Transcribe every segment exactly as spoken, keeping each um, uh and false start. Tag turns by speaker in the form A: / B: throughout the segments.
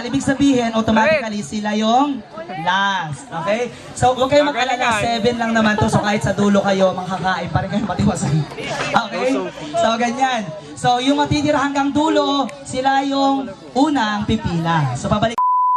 A: ibig sabihin, automatically sila yung last. Okay? So, huwag kayong mag-alala, seven lang naman to. So, kahit sa dulo kayo, makakain pa rin kayo matiwasan. Okay? So, ganyan. So, yung matitira hanggang dulo, sila yung unang pipila. So, pabalik.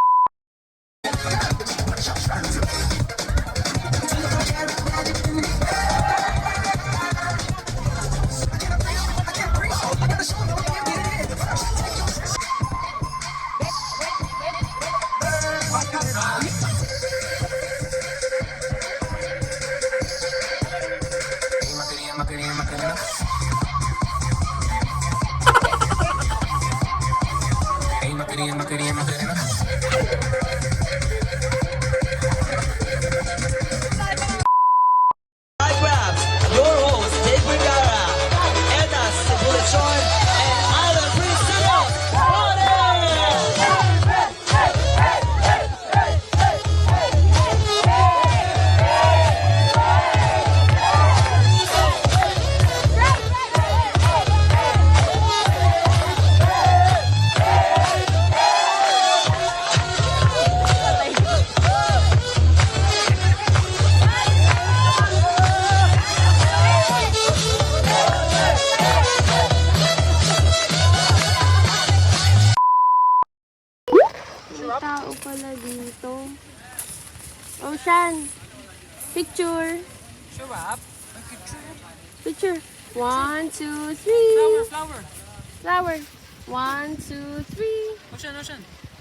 B: Tao pala dito. Ocean, picture.
C: Show up.
B: Picture. One, two, three.
C: Flower, flower.
B: Flower. One, two, three.
C: Ocean, ocean.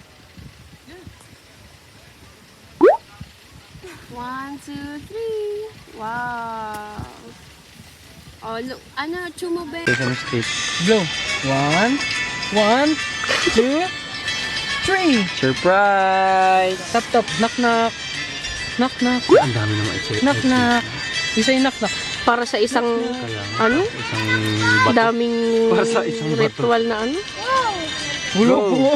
B: One, two, three. Wow. Oh, look. Ano, chumube.
C: Go. One, one, two, three.
D: Surprise!
C: Tap, tap. Knock, knock. Knock, knock.
D: Ang dami naman i-check.
C: Knock, knock. Isa yung knock, knock.
B: Para sa isang,
D: Kaya nga,
B: ano?
D: isang bato.
B: Daming
D: Para sa isang bato.
B: ritual na ano.
C: Bulo,
D: Go.
C: bulo.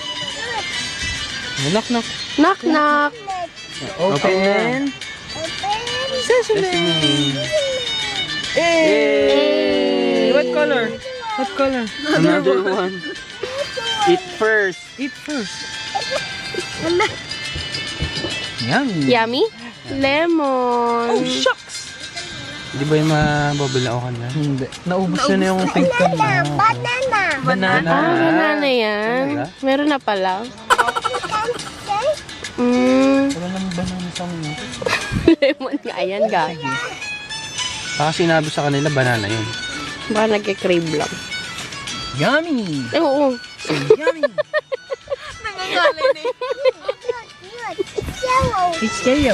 C: Knock, knock.
B: Knock, knock.
C: Open.
D: Sesame.
C: Hey! What color? What color?
D: Another one. Eat first.
C: Eat first. Yummy.
B: Yummy? Lemon.
C: Oh, shucks!
D: Di ba yung mababalaukan na?
C: Hindi. Naubos na na yung tingkan mo.
B: Banana.
C: Banana.
B: Ah, banana yan. Meron na pala. Mm.
C: Wala naman banana sa mga.
B: Lemon nga yan, guys.
D: Baka sinabi sa kanila, banana yun.
B: Baka nagkikrave lang.
C: Yummy!
B: Eh, oo.
C: So yummy! It's Yayo.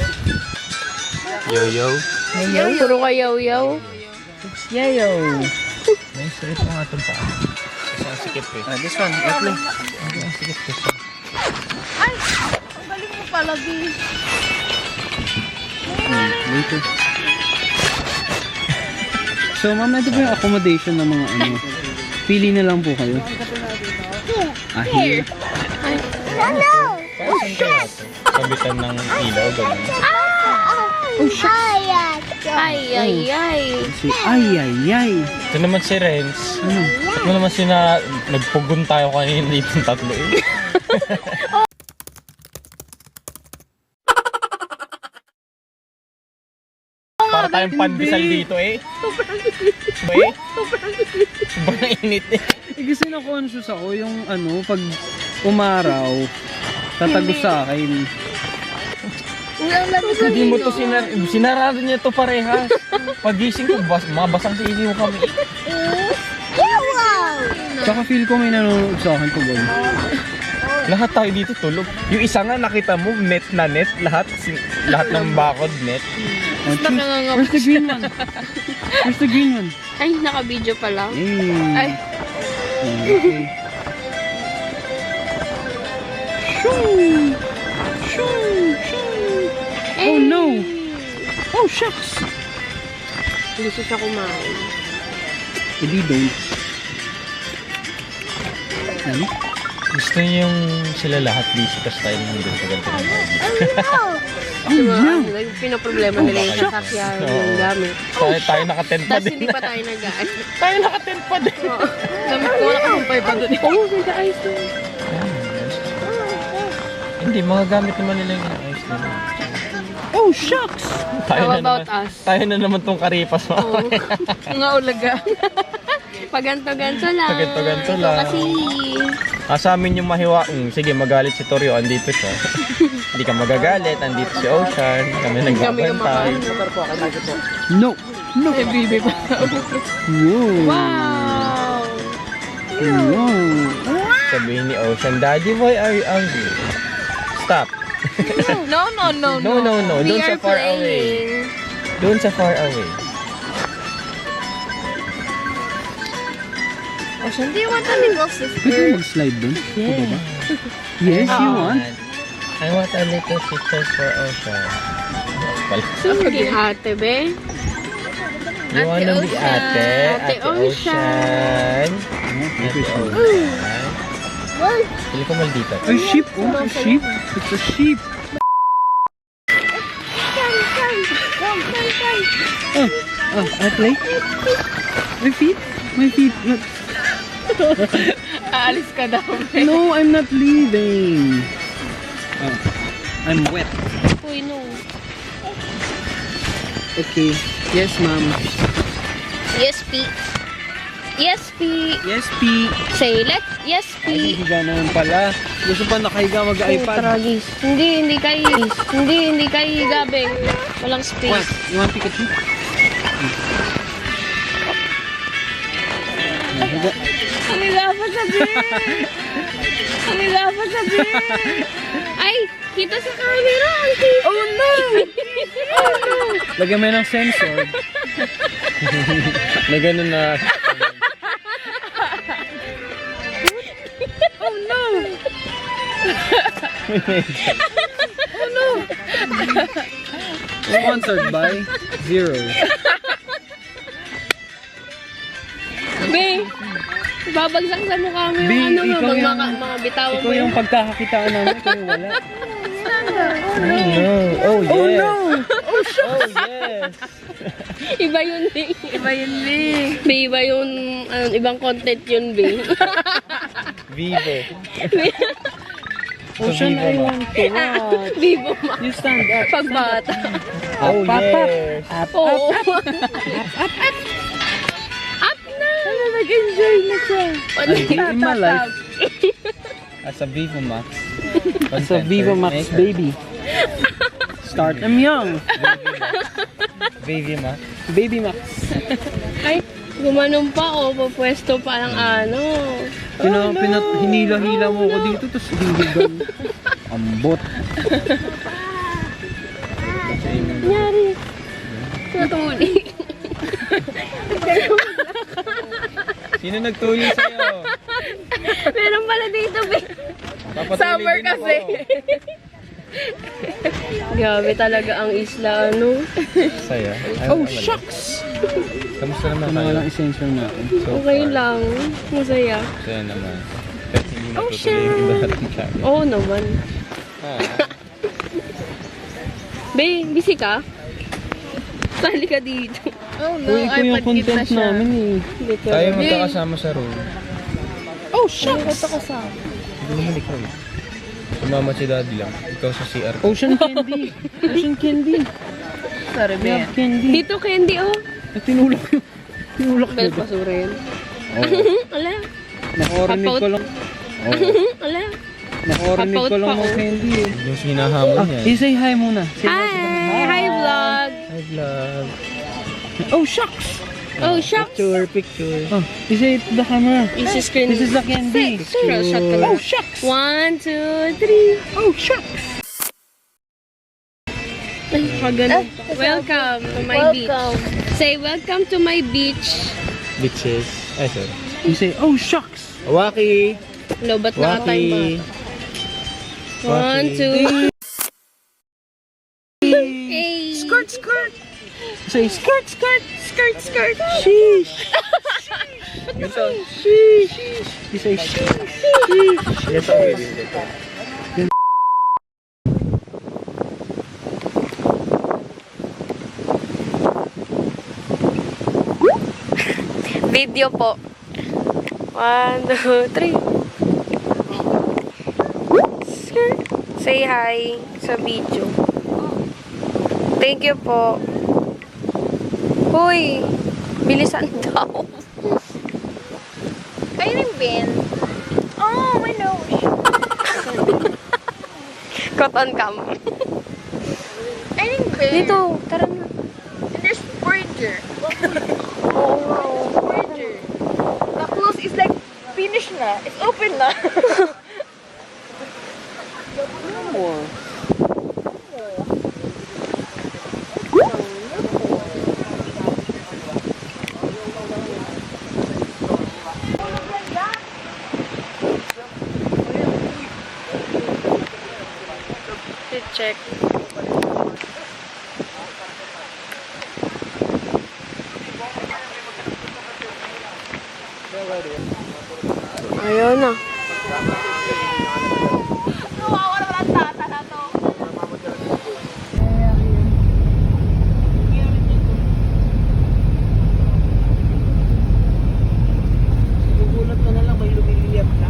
D: Yo-yo.
C: Yayo.
B: Puro ka yaw-yaw.
C: It's Yayo. May straight mo nga itong paa.
D: Isang sikip eh.
C: Ah, this one. Apple. Okay, ang sikip this one.
B: Ay! Ang galing mo pala, B.
C: Later. So, ma'am, ito po yung accommodation ng mga ano. Pili na lang po kayo. Ah, here.
D: Kabitan ng ilaw, gano'n.
B: Oh, shit. Ay, ay, ay.
C: Si ay, ay, ay.
D: Ito naman si Renz.
C: Ano?
D: Ito naman si na nagpugon tayo kanina dito ng tatlo eh. Para tayong pandesal dito eh. Eh? Sobrang init eh.
C: Eh, kasi na-conscious ako yung ano, pag umaraw, tatagos sa akin.
D: Hindi mo to sinar sinarado niya to parehas. Pagising ko, bas mabasang sisiw kami.
C: Tsaka feel ko may nanonood sa akin pag ano.
D: Lahat tayo dito tulog. Yung isa nga nakita mo, net na net. Lahat si- lahat ng bakod net.
C: Oh, choose- Where's the green one? Where's the green one?
B: Ay, naka-video pa lang.
C: Hey.
B: Ay.
C: Okay. Shoo! Shoo! Shoo! Oh no! Oh shucks!
B: Gusto siya kumain.
C: Hindi don't. Ano?
D: Gusto niyo yung sila lahat busy kasi tayo nandun sa ganito.
C: Oh yeah!
B: Like, pinaproblema nila yung sasakyan, yung gamit.
D: Tayo, tayo naka-tent pa
B: Tapos
D: din.
B: hindi pa tayo nag-aan.
D: Tayo naka-tent pa din.
B: Gamit ko, wala kasang pa doon. Oo, ganda ayos doon.
D: Hindi, mga gamit naman nila yung ayos na.
C: Oh, shucks!
D: Tayo
B: How
D: na
B: about
D: naman,
B: us?
D: tayo na naman tong karipas mo.
B: Oo. Mga ulaga. Paganto-ganto lang.
D: Paganto-ganto
B: Ito
D: lang.
B: kasi...
D: Ah, sa amin yung mahiwa. Mm, sige, magalit si Torio, andito siya. Hindi ka magagalit, andito si Ocean. Kami
B: Kami yung
D: nagbabantay.
B: makaano.
C: No! No!
B: Eh, bibi pa.
C: Whoa!
B: Wow!
C: Wow!
D: Sabihin ni Ocean, Daddy, why are you angry? Stop.
B: No, no, no,
D: No, no, no.
B: We
D: Doon sa
B: are
D: far away.
B: playing.
D: Doon sa far away.
B: Ocean, do you want a little
C: Pwede
B: sister?
C: mag-slide dun? Yeah. Yes, you want?
D: I want a little sister for Ocean. Pala.
B: Sige, ate, be.
D: You wanna be
B: Ocean.
D: ate?
B: Ate Ocean.
D: Ate Ocean. Pili ko maldita.
C: A sheep! Oh, a sheep! It's a sheep! Oh, oh, I play? My feet? My feet. Not...
B: Aalis ka daw, be.
C: No, I'm not leaving. Oh, I'm wet.
B: Uy, no.
C: Okay. Yes, ma'am.
B: Yes, P. Yes, P.
C: Yes, P.
B: Say let. Yes,
C: Ay,
B: P.
C: higa naman pala. Gusto pa nakahiga mag-iPad.
B: Tragis. Hindi, hindi kay Hindi, hindi kay Gabeng. Walang
C: What?
B: space.
C: You want Pikachu? Higa.
B: Ang ilapat sabi. Ang ilapat sabi. Ay, kita sa camera. Ang kita. Oh, no. Oh, no.
C: Lagyan mo ng sensor.
D: Na ganun na.
B: Oh, no.
C: Sponsored by Zero.
B: Be, babagsak sa mukha mo yung
C: Be,
B: ano mo.
C: ikaw
B: Mag,
C: yung-
B: mga, mga bitawan
C: Ikaw
B: mo
C: yung
B: yung...
C: pagkakakitaan namin, ikaw yung wala.
D: No. Oh, yes.
C: Oh no!
D: Oh, yes.
B: Iba yun, Be. Iba yun, Be. Be, iba yung... Ano, ibang content yun, Be.
D: Vivo.
C: Ocean, I want to what?
B: Vivo ma.
C: You stand up.
B: Pagbata.
D: Oh,
C: Up, up, up.
D: yes.
C: Up,
B: Oo.
C: up,
B: Up na! Ano, nag-enjoy na siya.
C: I in my life.
D: As a Vivo Max.
C: It's a Vivo Max baby. Start them young.
D: Baby Max.
C: Baby Max.
B: Ay, gumanong pa o. Papwesto pa ng ano.
C: Pina, pina, hinila-hila mo ko dito, tapos hiligan. Ambot.
B: Nangyari. Natuli.
D: Sino nagtuli sa'yo?
B: Meron pala dito, Be.
D: Papatuloy
B: Summer
D: din ako.
B: kasi. Grabe talaga ang isla, ano.
D: Saya. Ay,
C: Oh,
D: wala.
C: shucks!
D: Kamusta naman
C: Ano
D: kayo?
C: walang essential natin.
D: So
B: Okay
D: far.
B: lang. Masaya.
D: Saya naman. Kahit hindi
B: Oh,
D: natutuloy yung iba natin channel.
B: Oo naman.
D: Ah.
B: Be, busy ka? Sali ka dito.
C: Oh, no, ito yung content namin eh.
B: Dito.
D: Tayo magkakasama sa room.
C: Oh, shucks!
B: Ito ka sa...
D: Hindi naman ikaw eh. Sumama si daddy lang. Ikaw sa C R.
C: Ocean candy. Ocean candy.
B: Sorry,
C: We have candy.
B: Dito, candy, oh.
C: Eh, tinulak yun. Tinulak
B: Bel,
C: yun.
B: basura yun.
C: Oh.
B: Ala.
C: Nakorinig ko lang. Oh.
B: Ala.
C: Nakorinig ko lang
B: Kapaut pa,
C: ng
B: oh.
C: candy eh.
D: Yung hinahamon
C: Ah,
D: niya.
C: i-say hi muna. Say
B: Hi! Hi, vlog!
D: Hi vlog.
C: Oh, shucks!
B: Oh, shucks!
D: Picture, picture.
C: Oh, i-say it to the camera.
B: Easy screen.
C: This is the candy.
B: Scroll shot ka
C: Oh,
B: lang.
C: shucks!
B: One, two, three.
C: Oh, shucks!
B: Ay, pagano. Welcome to my beach. Say, welcome to my beach.
D: Bitches. Ay, sorry.
C: You say, oh, shucks!
D: Waki!
B: Lobat na ka tayo ba?
D: Waki!
B: One,
D: Waki.
B: two. Hey.
C: Skirt, skirt! Say, skirt, skirt!
B: skirt, skirt.
C: Sheesh!
D: Ito.
C: Sheesh! You say, sheesh!
D: Ito. Ito.
B: Video po. One, two, three. Skirt, Say hi sa video. Thank you po. Hoy, bilisan daw. Ayun yung bin. Oh, my nose. Cotton cam.
E: Ayun yung bin.
B: Dito, tara na.
E: And there's burger.
B: Oo nga.
E: Burger. The close is like finished na. It's open na.
B: Check. Ayun na.
C: Gugulat ka na lang, may lumiliyap na.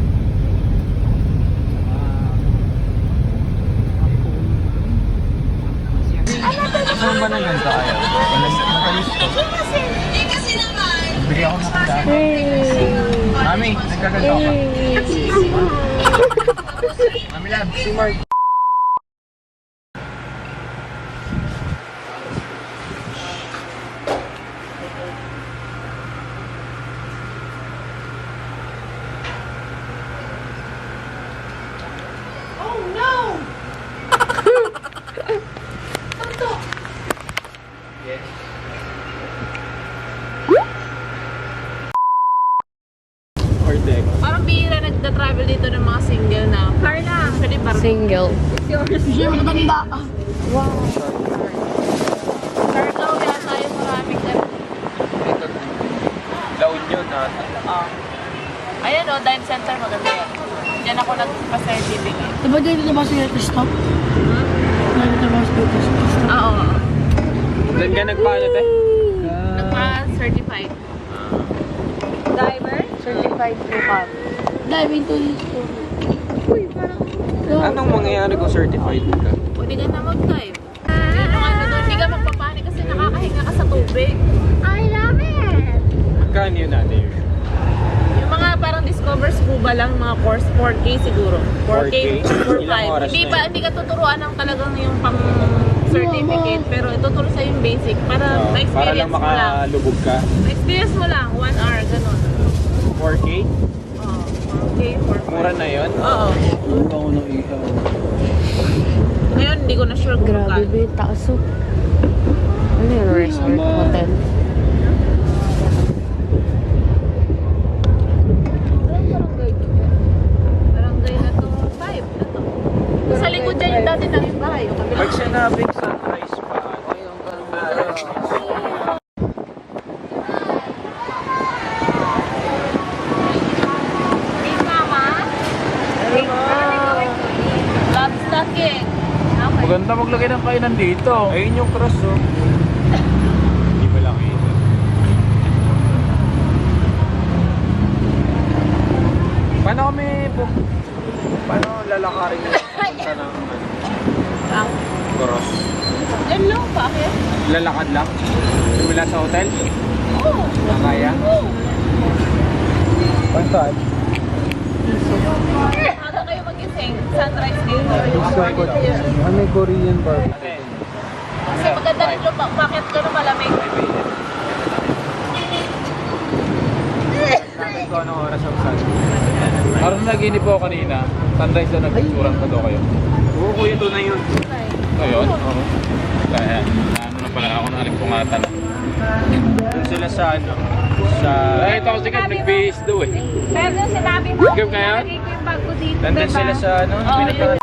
D: Saan ba na ganito kayo? Nakalis ko. Bigyan ako ng kanda. Mami, nagkaganto ka. Mami lab, si Mark. Or deck.
E: Parang bihira nagda-travel dito ng mga single na. Carla. Actually, parang
B: Single.
E: Carla, wala tayo maraming ganun.
D: La Union ata.
E: Ah. Ayan o, dive center maganda yan. Diyan ako nagpa-certificate.
F: Diba dito na ba siya stop? Dito ba siya stop?
E: Ah, oo.
D: Doon ka nagpaano, te?
E: Nagpa-certified. Diver?
B: Certified po kami.
F: Dive into this store.
D: Anong mangyayari kung certified ka?
E: Pwede ka na mag-dive. Yun yung ano doon, hindi ka magpapanik kasi nakakahinga ka sa tubig.
B: I love it!
D: Magkano yun natin?
E: Yung mga parang discover scuba lang, mga course, four K siguro. four K, four
D: Ilang
E: five.
D: oras
E: Hindi
D: na
E: pa,
D: yun?
E: hindi ka tuturuan ng talagang yung pang certificate, pero ituturo sa yung basic para
D: Oo, para
E: ma-experience
D: lang
E: mo lang.
D: makalubog ka.
E: Ma-experience mo lang, one hour, ganun.
D: four K?
E: Oo, four K, four five.
D: Mura na yun?
E: Oo.
C: Ano ako ng ihaw?
E: Ngayon, hindi ko na sure kung
B: Grabe
E: magkano.
B: ba yung taas oh. Ano yun? Resort? Hotel?
E: Barangay na to, five na to. Sa likod dyan yung dati ng bahay. Yung kabila.
D: Pag sinabing sunrise pa, ano yung
E: Hey, mama. Love stocking. Okay.
D: maganda maglagay ng kainan dito. Ayun yung cross, oh. Hindi pa lang ito. Paano kami po? Paano lalakarin yung punta ng
E: Ang
D: cross?
E: yan lang, bakit?
D: Lalakad lang? Simula sa hotel?
E: Oo.
D: Nakaya?
E: Oo.
D: Pansaan?
E: Aga kayo magising. Sunrise dito.
C: Ano may Korean barbecue?
E: Kasi maganda rin yung ba- bakit gano'n malamig.
D: Nakit ko anong oras ang sun? Parang naginip po kanina. Sunrise na nagpicturan pa daw kayo. Oo, kuya, ito na yun. Ayun? Oo. Kaya, ano na pala ako ng alimpungatan. Doon sila sa ano? Sa... Ay, ito kasi kami nag-base daw eh.
E: Pero yung sinabi mo,
D: Ikaw kaya?
E: nalagay ko yung bag ko dito.
D: Nandun
E: diba?
D: sila sa ano?
E: Oo,
D: Pinagka-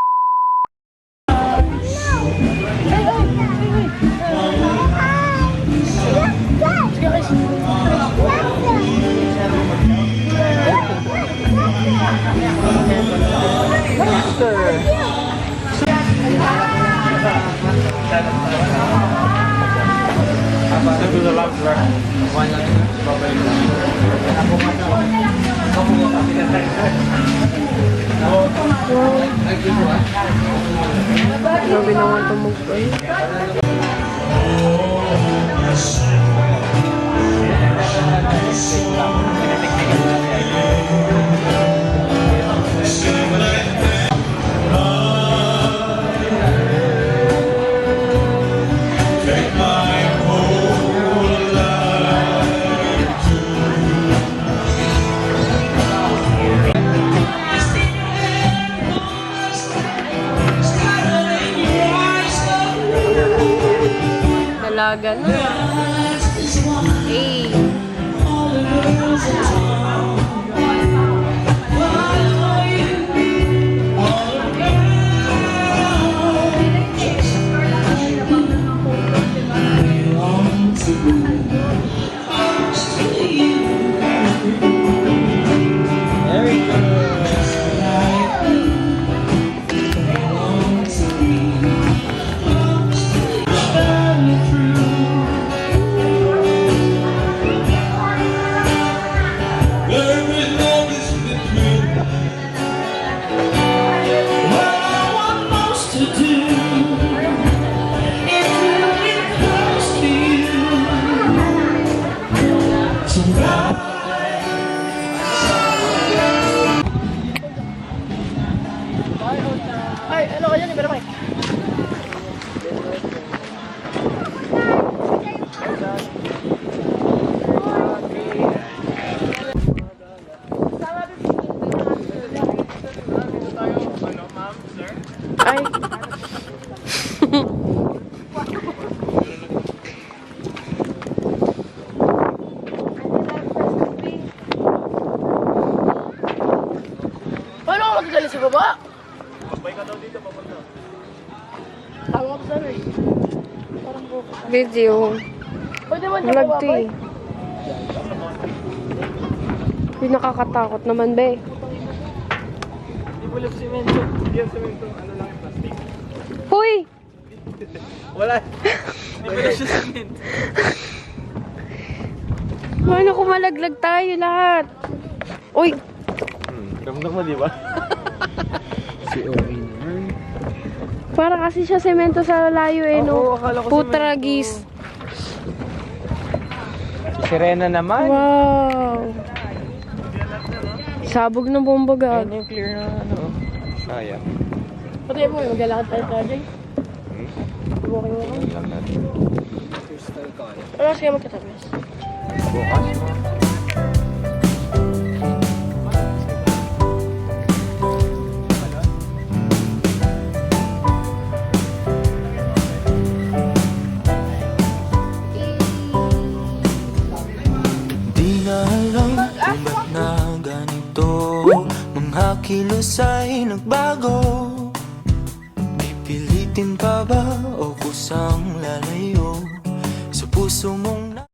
D: Saan to the lounge, bro? One lang.
B: Grabe naman tumugay. Dalaga na. Eh.
F: Ay, ano ka dyan? Ibera pa eh.
B: Ay.
F: Paano ako magagaling sa baba? Babay ka daw dito, papunta. Tama ko sana eh. Parang buko.
B: Video.
F: Pwede man niya
B: Vlog to
F: babay.
B: eh. Yung nakakatakot naman, be.
C: Hindi po lang simento. Hindi yung simento. Ano lang yung plastic.
B: Huy!
C: Wala. Hindi po lang siya simento.
B: Paano kung malaglag tayo lahat? Uy!
C: Ramdam mo, di ba? Si Owi naman.
B: Para kasi siya semento sa layo eh, no?
C: Oo, akala ko
B: Putragis.
C: Si Serena naman.
B: Wow! Sabog ng bomba gag.
C: Ayun yung clear na ano. Sayang.
F: Pati mo, maglalakad tayo sa Jay.
C: Hmm?
F: Walking mo kami.
C: Lang natin.
F: Ano sige magkatamis?
C: Bukas mo.
G: Di na alam kung ba't na ganito, mga kilos ay nagbago. Pipilitin pa ba o kusang lalayo sa puso mong